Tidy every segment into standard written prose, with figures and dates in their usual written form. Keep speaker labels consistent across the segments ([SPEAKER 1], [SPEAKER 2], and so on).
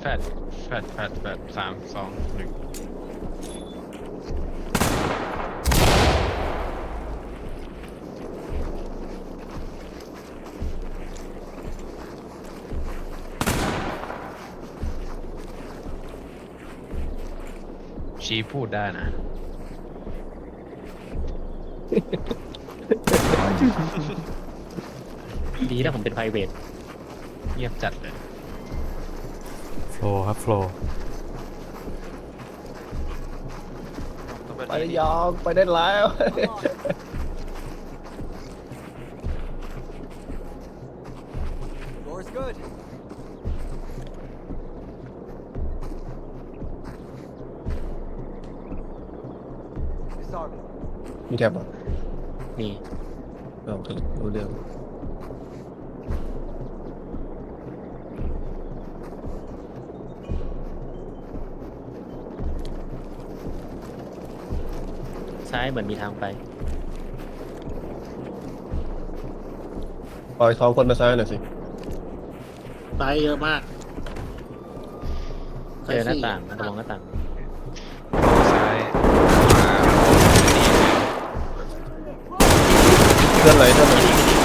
[SPEAKER 1] แฟด3 2 1ชี้พูดได้นะ
[SPEAKER 2] ดีนะผมเป็น private
[SPEAKER 1] เงียบจัดเลย
[SPEAKER 3] โฟล์ครับโฟล์
[SPEAKER 4] ไปได้ยองไปได้แล้ว
[SPEAKER 5] Door's good.
[SPEAKER 4] มีแท็บอ่ะ
[SPEAKER 2] นี่
[SPEAKER 4] โอเครู้เรื่อง
[SPEAKER 2] ซ้ายเหมือนมีทางไป
[SPEAKER 4] ปล่อย2 คนมาซ้ายหน่อยสิ
[SPEAKER 6] ตายเยอะมาก
[SPEAKER 2] เจอหน้าต่างนะระวังหน้าต่าง
[SPEAKER 1] ซ้ายขวา
[SPEAKER 4] เพื่อนไหนเพื่อนไหน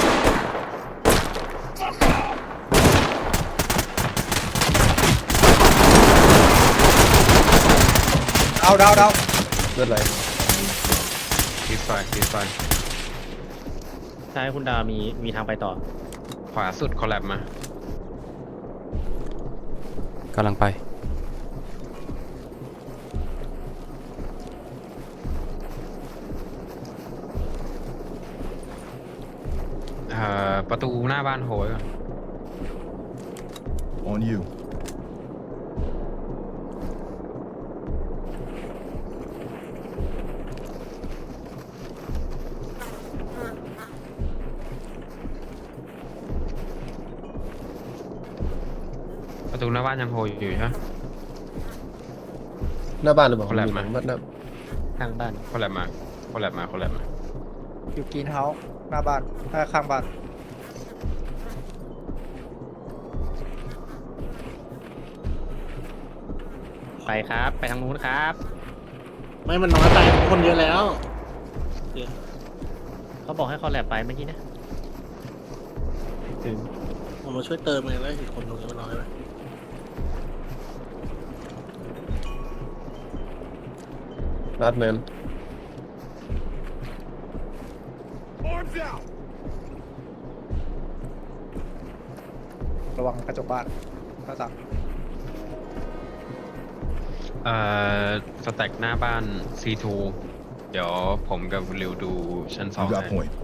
[SPEAKER 4] ดาวเพื่อนไหน
[SPEAKER 1] ดีไฟ
[SPEAKER 2] ซ้ายคุณดาวมีทางไปต่อ
[SPEAKER 1] ขวาสุดคอลแลบมาก
[SPEAKER 3] ำลังไป
[SPEAKER 1] ประตูหน้าบ้านโหยก่อน
[SPEAKER 7] On you.
[SPEAKER 1] ประตูหน้าบ้านยังโหยอยู่ใช่ไหม
[SPEAKER 4] หน้าบ้านหรือเปล่า
[SPEAKER 1] คนแรกมา
[SPEAKER 4] บ้านหน้า
[SPEAKER 2] ข้างบ้าน
[SPEAKER 1] คอลแลบมา
[SPEAKER 8] อยู่กรีนเฮาส์หน้าบ้านข้างบ้าน
[SPEAKER 2] ไปครับ ไปทางนู้นครับ
[SPEAKER 6] ไม่มันน้อยไปคนเยอะแล้ว
[SPEAKER 2] เขาบอกให้คอลแลบไปเมื่อกี้นะ
[SPEAKER 6] ผมมาช่วยเติมเองแล้วอีกคนตรงนี้มันน้อยไป
[SPEAKER 4] ลัดแมน
[SPEAKER 7] Arms out.
[SPEAKER 8] ระวังกระจกบ้านหน้าต่าง
[SPEAKER 1] สแต็กหน้าบ้าน C2 เดี๋ยวผมกับริวดูชั้น
[SPEAKER 7] You
[SPEAKER 1] 2
[SPEAKER 7] got
[SPEAKER 1] ให้
[SPEAKER 7] point.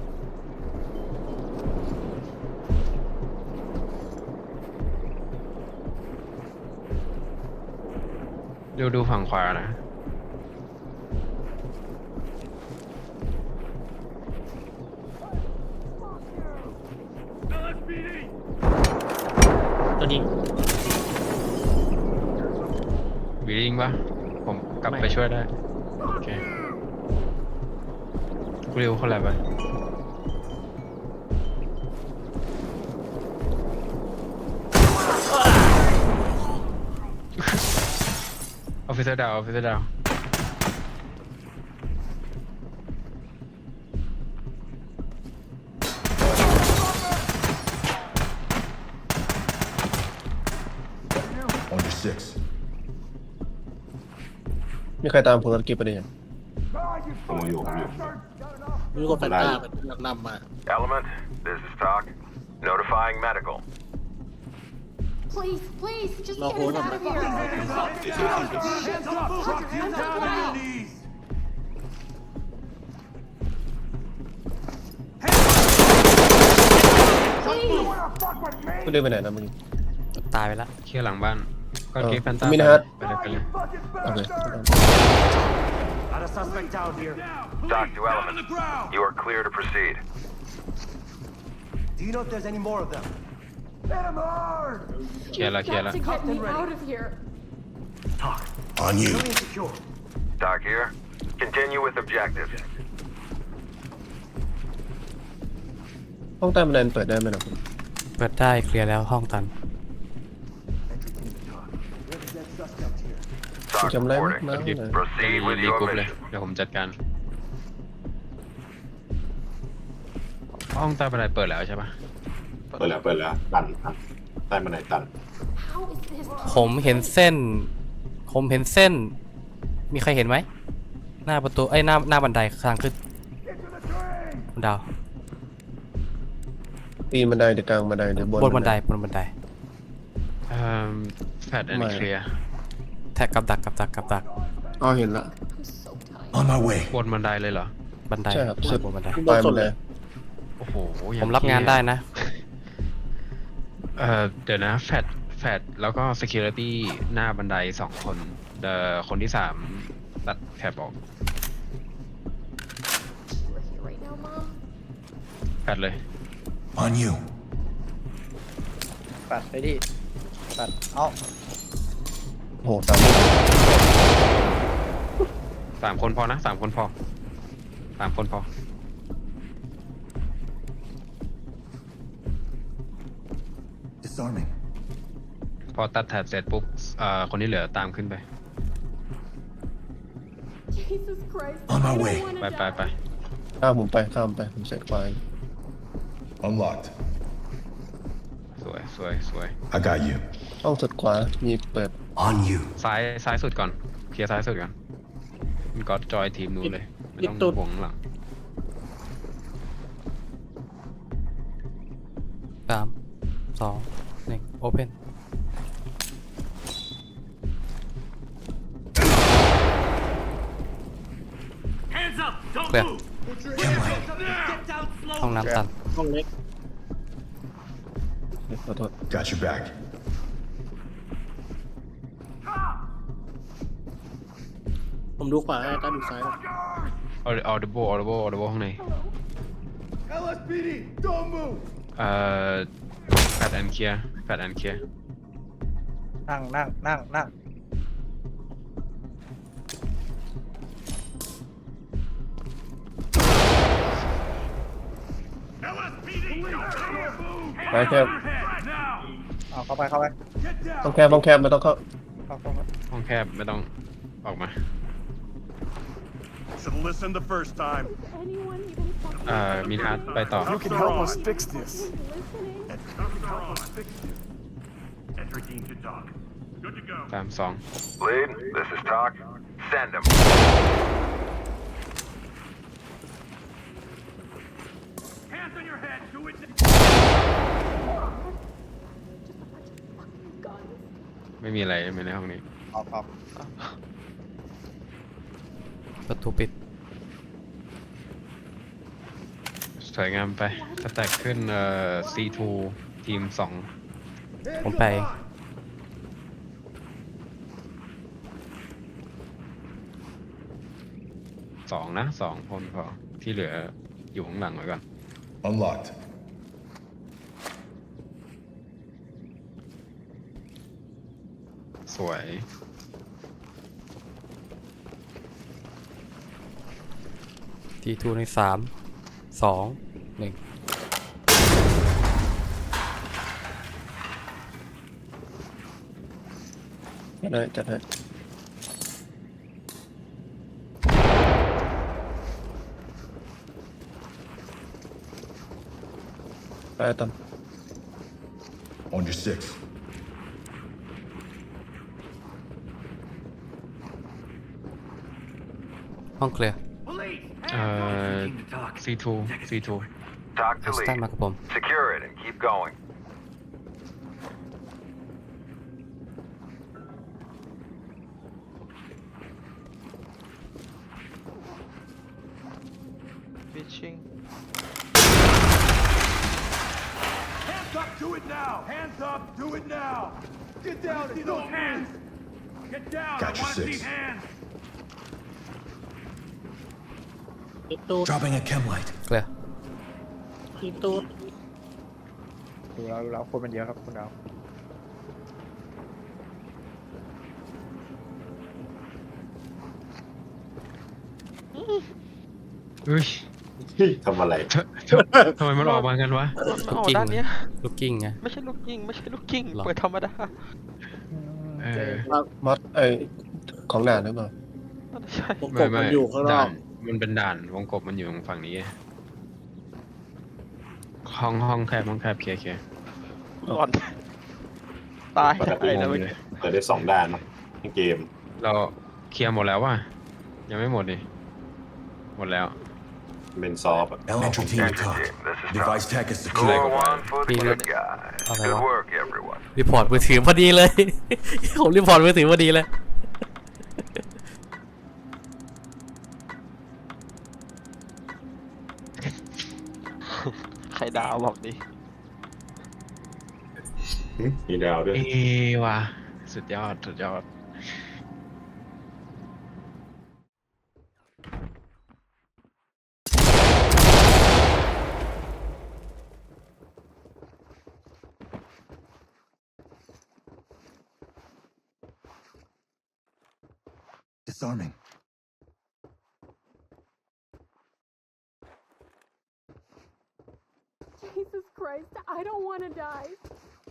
[SPEAKER 1] ริวดูฝั่งขวานะ
[SPEAKER 2] ตัวนี้
[SPEAKER 1] บีดิงปะผมกลับ
[SPEAKER 2] ไม่
[SPEAKER 1] ไปช่วยได้ โอเคริวคอลแลบไป ออฟฟิเซอร์ดาว
[SPEAKER 7] On your 6.
[SPEAKER 4] มีใครตามผลธุรกิจไปได้ยัง
[SPEAKER 7] On you.
[SPEAKER 6] มีคนแฟนตาเป็นนำมา
[SPEAKER 9] Element, this is Talk. Notifying medical.
[SPEAKER 10] Please, just
[SPEAKER 6] No,
[SPEAKER 10] get
[SPEAKER 6] hold
[SPEAKER 10] us
[SPEAKER 6] on.
[SPEAKER 10] out of here. I'm not out.
[SPEAKER 4] เพื่อนเดินไปไหนนะมึง
[SPEAKER 3] ตายไปแล้ว
[SPEAKER 1] เคลียร์หลังบ้าน ก็เก็บแฟนตา
[SPEAKER 4] มินิฮัท
[SPEAKER 1] ไปเลย
[SPEAKER 4] โอเค
[SPEAKER 5] Got a suspect down here.
[SPEAKER 9] Talk to Element. You are clear to proceed.
[SPEAKER 5] Do you know if there's any more of them?
[SPEAKER 1] เคลียร์ละ
[SPEAKER 10] Got to get me out of here.
[SPEAKER 5] Talk.
[SPEAKER 7] On you.
[SPEAKER 5] Alien secure.
[SPEAKER 9] Talk here. Continue with objectives.
[SPEAKER 4] ห้องใต้บันไดเปิดได้ไหมนะคุณ
[SPEAKER 3] เปิดได้เคลียร์แล้วห้องตัน
[SPEAKER 5] We're
[SPEAKER 9] Talk
[SPEAKER 4] จำได้ไหม
[SPEAKER 9] reporting.
[SPEAKER 4] นะ
[SPEAKER 9] Proceed with
[SPEAKER 1] รี
[SPEAKER 9] your
[SPEAKER 1] กรุ๊ปเลย
[SPEAKER 9] mission.
[SPEAKER 1] เดี๋ยวผมจัดการ ห้องใต้บันไดเปิดแล้วใช่ปะ
[SPEAKER 7] เปิดแล้วตันครับใต้บันไดตัน
[SPEAKER 10] How is this?
[SPEAKER 3] ผมเห็นเส้น มีใครเห็นไหม หน้าประตูหน้าบันไดทางขึ้นคุณดาว
[SPEAKER 4] ตีนบันไดหรือกลางบันไดหรือบ
[SPEAKER 3] บนบันได
[SPEAKER 1] แฟดแอนด์เคลียร์
[SPEAKER 3] แท็กกับดัก
[SPEAKER 4] อ๋อเห็นละ
[SPEAKER 10] I'm so tired.
[SPEAKER 7] On my way.
[SPEAKER 1] บนบันไดเลยเหรอ
[SPEAKER 3] บันได
[SPEAKER 4] ใช่ครับสุด
[SPEAKER 3] บนบันได
[SPEAKER 4] ปลายบันได
[SPEAKER 1] โอ้โหอย่
[SPEAKER 3] ผมรับงานได้นะ
[SPEAKER 1] เดี๋ยวนะแฟดแล้วก็ security หน้าบันได2 คนคนที่ 3 ตัดแคบออก
[SPEAKER 10] We're here right now, Mom.
[SPEAKER 1] แฟดเลย
[SPEAKER 7] On you.
[SPEAKER 8] ปัดไปดิปัดเอ้า
[SPEAKER 4] โอ้โหตาม
[SPEAKER 1] 3 คนพอนะ3 คนพอ 3 คนพอ
[SPEAKER 7] Disarming.
[SPEAKER 1] พอตัดแถบเสร็จปุ๊บคนที่เหลือตามขึ้นไป
[SPEAKER 10] Jesus Christ.
[SPEAKER 7] On my
[SPEAKER 10] I don't
[SPEAKER 7] way.
[SPEAKER 10] wanna
[SPEAKER 1] ไป
[SPEAKER 10] die.
[SPEAKER 4] ข้ามผมไปผมเสร็จไฟ
[SPEAKER 7] Unlocked.
[SPEAKER 1] สวย
[SPEAKER 7] I got you.
[SPEAKER 4] ห้องสุดขวามีเปิด
[SPEAKER 7] On you.
[SPEAKER 1] ซ้ายสุดก่อนเคลียร์ซ้ายสุดก่อนมันก็จอยทีมนู้นเลยไม่ต้องห่วงหลัง
[SPEAKER 3] 3 2 1 Open เคลียร์ห้องน้ำตัน
[SPEAKER 6] ห้องเล็ก
[SPEAKER 4] ขอโทษ
[SPEAKER 7] Got your back.
[SPEAKER 6] ผมดูขวาให้ต้าดูซ้าย
[SPEAKER 1] audible ข้างใน
[SPEAKER 7] LSPD, don't move.
[SPEAKER 1] แฟดแอนเคลียร์
[SPEAKER 8] นั่ง
[SPEAKER 4] ไปแคบ
[SPEAKER 8] เอาเข้าไป
[SPEAKER 4] ต้องแคบไม่ต้องเข้า
[SPEAKER 1] ห้องแคบไม่ต้องออกมา
[SPEAKER 7] Should listen the first time.
[SPEAKER 10] Anyone even fucking
[SPEAKER 1] มีอาร์ตไปต่อ
[SPEAKER 7] You can help us fix this.
[SPEAKER 10] listening?
[SPEAKER 7] Entry team to talk. Good to go.
[SPEAKER 1] 3 2
[SPEAKER 9] Lead, this is Talk. Send him.
[SPEAKER 7] Hands on your head. Do it.
[SPEAKER 10] Just a bunch of fucking guns.
[SPEAKER 1] ไม่มีอะไรในห้องนี้
[SPEAKER 8] ออก
[SPEAKER 3] ประตูปิด
[SPEAKER 1] สวยงามไปสแต็กขึ้นC2 ทีม
[SPEAKER 3] ผมไป
[SPEAKER 1] 2นะ2 คนพอที่เหลืออยู่ข้างหลังไว้ก่อน
[SPEAKER 7] Unlocked.
[SPEAKER 1] สวย
[SPEAKER 3] T2 ใน3 2 1
[SPEAKER 4] จัดให้ไปตัน
[SPEAKER 7] On your 6.
[SPEAKER 3] ห้องเคลียร์
[SPEAKER 1] C2
[SPEAKER 9] Talk
[SPEAKER 3] แอ
[SPEAKER 9] to
[SPEAKER 3] สตัน
[SPEAKER 9] lead.
[SPEAKER 3] มากับผม
[SPEAKER 9] Secure it and keep going.
[SPEAKER 7] Hands up. Do it now. Hands up. Do it now. Get down and see those hands. Get down. Got your 6. Hands.
[SPEAKER 6] ปิดตู้
[SPEAKER 7] Dropping a chem light.
[SPEAKER 3] เคลียร์
[SPEAKER 6] ปิดตู้
[SPEAKER 8] ดูแล้วคนมันเยอะครับคุณดาว
[SPEAKER 1] เฮ้ย
[SPEAKER 7] ทำอะไร
[SPEAKER 1] ทำไมมันออกมากันวะ
[SPEAKER 3] ลูกกิ้งลูกกิ้งไง
[SPEAKER 11] ไม่ใช่ลูกกิ้ง
[SPEAKER 3] หรอ
[SPEAKER 11] เปิดธรรมดา
[SPEAKER 1] เออ
[SPEAKER 4] มอดของด่านหรือเปล่า
[SPEAKER 11] ใช่
[SPEAKER 6] ผมกบมันอยู่ข้างน
[SPEAKER 1] ด่า
[SPEAKER 6] อก
[SPEAKER 1] นมันเป็นด่านวงกบมันอยู่ฝั่งนี้ ห้องแคบเคลียร์
[SPEAKER 11] ก่อนตาย
[SPEAKER 12] ปกติ
[SPEAKER 11] ได้แล้ว
[SPEAKER 12] มั
[SPEAKER 11] เมื่
[SPEAKER 12] น
[SPEAKER 11] อกี้
[SPEAKER 12] เปิดได้2 ด้านเนอะในเกม
[SPEAKER 1] เราเคลียร์หมดแล้วว่ะยังไม่หมดดิหมดแล้ว
[SPEAKER 12] เป็นซอฟต์อะ
[SPEAKER 9] Entry team to talk. Device tech is
[SPEAKER 1] secure.
[SPEAKER 9] Score 1 for the
[SPEAKER 3] Be
[SPEAKER 9] good
[SPEAKER 3] good.
[SPEAKER 9] guys.
[SPEAKER 3] Okay,
[SPEAKER 9] Good
[SPEAKER 3] well.
[SPEAKER 9] work, everyone.
[SPEAKER 3] รีพอร์ตมือถือพอดีเลย ผมรีพอร์ตมือถือพอดีเลย
[SPEAKER 11] ใครดาวบอกดิ
[SPEAKER 12] มีดาวด้วย
[SPEAKER 1] ว่ะสุดยอด
[SPEAKER 5] Disarming.
[SPEAKER 10] Jesus Christ, I don't want to die.